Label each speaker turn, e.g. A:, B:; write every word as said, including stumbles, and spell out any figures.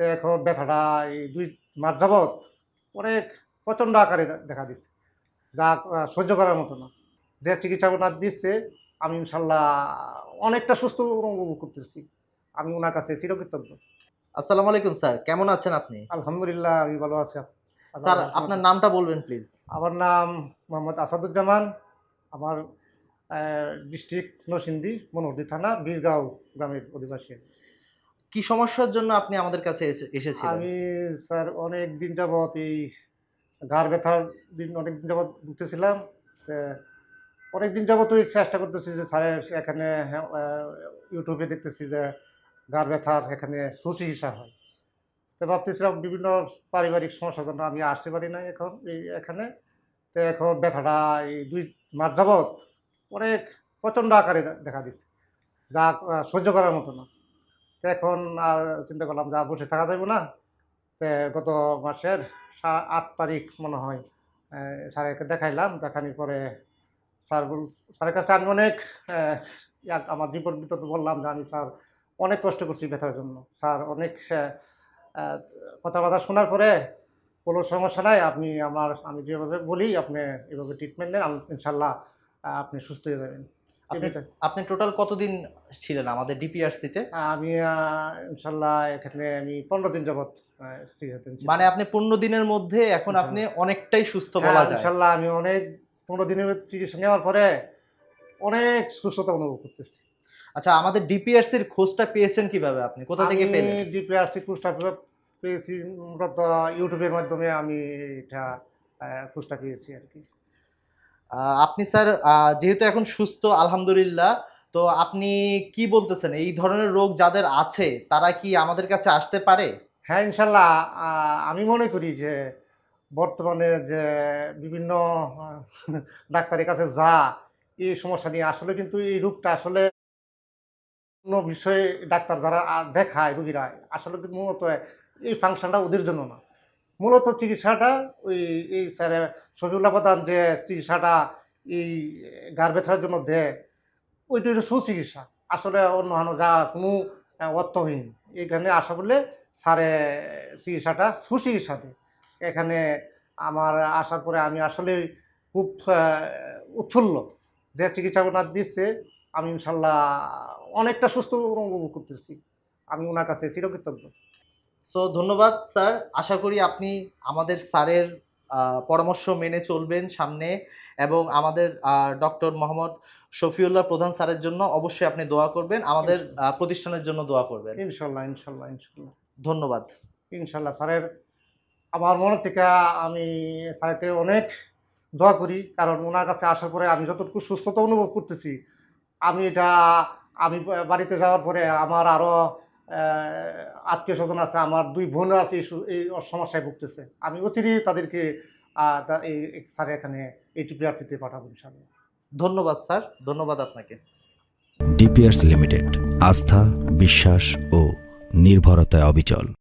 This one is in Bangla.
A: তো এখন ব্যথাটা এই দুই মাস যাবৎ অনেক প্রচণ্ড আকারে দে- দেখা দিচ্ছে, যা আহ, সহ্য করার মতো না। যে চিকিৎসা ওনার দিচ্ছে, আমি ইনশাল্লাহ অনেকটা সুস্থ অনুভব করতেছি। আমি ওনার কাছে চিরকৃতজ্ঞ।
B: আসসালামু আলাইকুম স্যার, কেমন আছেন আপনি?
A: আলহামদুলিল্লাহ, আমি ভালো আছি।
B: স্যার,
A: আল্লাহর
B: আপনার
A: রহমতে।
B: নামটা বলবেন প্লিজ।
A: আমার নাম মোহাম্মদ আসাদুজ্জামান। আমার ডিস্ট্রিক্ট নরসিংদী, মনোহরদী থানা, বীরগাঁও গ্রামের অধিবাসী।
B: কি সমস্যার জন্য আপনি আমাদের কাছে এসে- এসেছিলেন?
A: আমি স্যার অনেক দিন যাবৎ এই ঘাড় ব্যথার দিন অনেক দিন যাবৎ ভুগতেছিলাম। তো অনেক দিন যাবৎ ওই চেষ্টা করতেছি যে স্যারের এখানে, হ্যাঁ, আহ, ইউটিউবে দেখতেছি যে ঘাড় ব্যথার এখানে সুচিকিৎসা হয়। তো ভাবতেছিলাম বিভিন্ন পারিবারিক সমস্যার জন্য আমি আসতে পারি না এখন এই এখানে। তো এখন ব্যথাটা এই দুই মাস যাবৎ অনেক প্রচণ্ড আকারে দে- দেখা দিচ্ছে, যা আহ, সহ্য করার মতো না। তো এখন আর চিন্তা করলাম যা বসে থাকা যাবে না। তো গত মাসের সা- আট তারিখ মনে হয় আহ, স্যারকে দেখাইলাম। দেখানোর পরে স্যার বল স্যারের কাছে আমি অনেক আহ, ইয়াক আমার বিপদ বিপদ বললাম যে আমি স্যার অনেক কষ্ট করছি ব্যথার জন্য। স্যার অনেক আহ, আহ, কথাবার্তা শোনার পরে কোনো সমস্যা নাই, আপনি আমার আমি যেভাবে বলি আপনি এভাবে ট্রিটমেন্ট নেন, আমি ইনশাল্লাহ আহ, আপনি সুস্থ হয়ে যাবেন।
B: আপনি
A: এমনিতে
B: আপনি টোটাল কতদিন ছিলেন আমাদের ডিপিআরসিতে?
A: আমি আহ, ইনশাল্লাহ এখানে আমি পনেরো দিন যাবৎ আহ, চিকিৎসাধীন ছিলাম।
B: মানে আপনি পনেরো দিনের মধ্যে এখন আপনি
A: ইনশাল্লাহ,
B: অনেকটাই সুস্থ
A: হ্যাঁ
B: বলা যায়।
A: ইনশাল্লাহ আমি অনেক পনেরো দিনের চিকিৎসা নেওয়ার পরে অনেক সুস্থতা অনুভব করতেছি।
B: আচ্ছা, আমাদের ডিপিআরসির খোঁজটা পেয়েছেন কিভাবে? আপনি কোথা
A: আমি
B: থেকে পেলেন?
A: ডিপিআরসি কুষ্টা পেয়েছি মূলত ইউটিউবের মাধ্যমে। আমি এটা আহ, কুষ্টা পেয়েছি আর কি।
B: আহ, আপনি স্যার, আহ, যেহেতু এখন সুস্থ আলহামদুলিল্লাহ, তো আপনি কি বলতেছেন, এই ধরনের রোগ যাদের আছে তারা কি আমাদের কাছে আসতে পারে?
A: হ্যাঁ ইনশাল্লাহ, আহ, আমি মনে করি যে বর্তমানে যে বিভিন্ন আহ, ডাক্তারের কাছে যা এই সমস্যা নিয়ে, আসলে কিন্তু এই রোগটা আসলে অন্য বিষয়ে ডাক্তার যারা আহ, দেখায় রুগীরা, আসলে কিন্তু মূলত এই ফাংশনটা ওদের জন্য না। মূলত চিকিৎসাটা ওই এই স্যার শফিউল্লাহ প্রধান যে চিকিৎসাটা এই ঘাড় ব্যথার জন্য দেয়, ওইটা হচ্ছে সুচিকিৎসা। আসলে অন্য হানো যা কোনো আহ, অর্থহীন। এখানে আসা বললে স্যারে চিকিৎসাটা সুচিকিৎসা দেয়। এখানে আমার আসার পরে আমি আসলে খুব আহ, উৎফুল্ল যে চিকিৎসা ওনার দিচ্ছে। আমি ইনশাল্লাহ অনেকটা সুস্থ অনুভব করতেছি। আমি ওনার কাছে চিরকৃতজ্ঞ।
B: সো ধন্যবাদ স্যার। আশা করি আপনি আমাদের স্যারের আহ, পরামর্শ মেনে চলবেন সামনে, এবং আমাদের ডক্টর মোহাম্মদ শফিউল্লাহ প্রধান স্যারের জন্য অবশ্যই আপনি দোয়া করবেন, আমাদের আহ, প্রতিষ্ঠানের জন্য দোয়া করবেন।
A: ইনশাল্লাহ ইনশাল্লাহ ইনশাল্লাহ
B: ধন্যবাদ।
A: ইনশাল্লাহ স্যারের আমার মনে থেকে আমি স্যারকে অনেক দোয়া করি, কারণ ওনার কাছে আসার পরে আমি যতটুকু সুস্থতা অনুভব করতেছি, আমি এটা আমি বা- বাড়িতে যাওয়ার পরে আমার আরও আত্মীয় স্বজন আছে, আমার দুই বোনও আছে এই সু- এই সমস্যায় ভুগতেছে। আমি অচিরেই তাদেরকে আহ, তা- এই এই স্যার এখানে এই টিপিআরসিতে পাঠাবো ইনশাল্লাহ।
B: ধন্যবাদ স্যার, ধন্যবাদ আপনাকে।
C: ডিপিআরস লিমিটেড, আস্থা, বিশ্বাস ও নির্ভরতায় অবিচল।